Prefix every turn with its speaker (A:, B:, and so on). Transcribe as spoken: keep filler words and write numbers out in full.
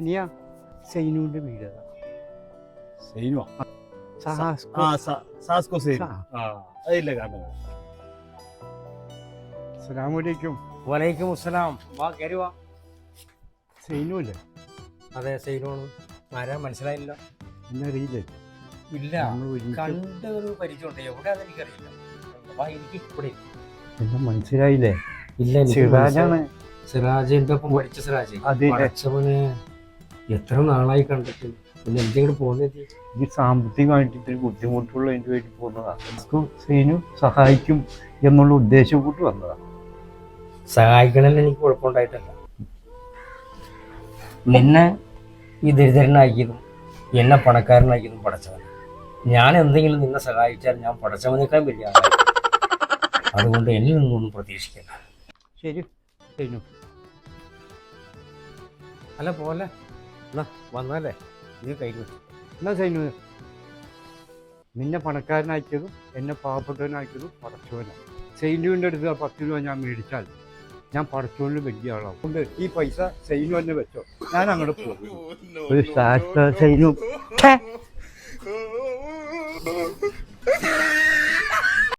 A: അനിയ സൈനുവിന്റെ വീട്
B: സൈനുവാ
A: സഹാസ്കോ
B: ആ സാസ്കോ സൈനു
A: ആ.
B: ആ അതില്ല കാണുന്നത്.
A: അസ്സലാമലൈക്കും.
C: വലൈക്കും അസ്സലാം. വാ കയറി വാ.
A: സൈനു അല്ലേ?
C: അതെ സൈനോണ്. ആരാ മനസ്സിലായില്ല?
A: എന്നറിയില്ലേ?
C: ഇല്ല,
A: നമ്മൾ ഒരുമിച്ച്
C: കണ്ട ഒരു പരിചയമുണ്ട്. എവിടെ അതെനിക്കറിയില്ല. വാ, എനിക്ക് ഇവിടെ
A: എന്നെ മനസ്സിലായില്ലേ?
C: ഇല്ല.
A: സിറാജാണ്.
C: സിറാജിന്റെ ഒപ്പം പഠിച്ച സിറാജ്.
A: അതെ.
C: പഠിച്ചവന് എത്ര നാളായി കണ്ടിട്ട്. പിന്നെ എന്തെങ്കിലും പോകുന്നത്
A: ഈ സാമ്പത്തികമായിട്ട് ഇത്തിരി ബുദ്ധിമുട്ടുള്ളതിന് വേണ്ടി പോകുന്നതാണ്. നമുക്ക് സൈനു സഹായിക്കും എന്നുള്ള ഉദ്ദേശം കൂട്ടി വന്നതാണ്.
C: സഹായിക്കണമെന്ന് എനിക്ക് കുഴപ്പമുണ്ടായിട്ടല്ല. നിന്നെ ഈ ദരിദ്രനാക്കിയതും എന്നെ പണക്കാരനാക്കിയതും പടച്ചവൻ. ഞാൻ എന്തെങ്കിലും നിന്നെ സഹായിച്ചാൽ ഞാൻ പടച്ചവനേക്കാൾ വലിയ ആളായി. അതുകൊണ്ട് എന്നിൽ നിന്നൊന്നും പ്രതീക്ഷിക്കണ്ട.
A: ശരി സൈനു.
C: അല്ല പോലെ എന്നാ വന്നാലേ നീ കയ്യിൽ വെച്ചു.
A: എന്നാ സൈനു, നിന്നെ പണക്കാരനാക്കിയതും എന്നെ പാവപ്പെട്ടവനാക്കിയതും പടച്ചോനാണ്. സൈനുവിൻ്റെ അടുത്ത് ആ പത്ത് രൂപ ഞാൻ മേടിച്ചാൽ ഞാൻ പടച്ചോനിൽ വലിയ ആളാവും. അതുകൊണ്ട് ഈ പൈസ സൈനു തന്നെ വെച്ചോ, ഞാൻ അങ്ങോട്ട് പോകും. ഒരു സൈനു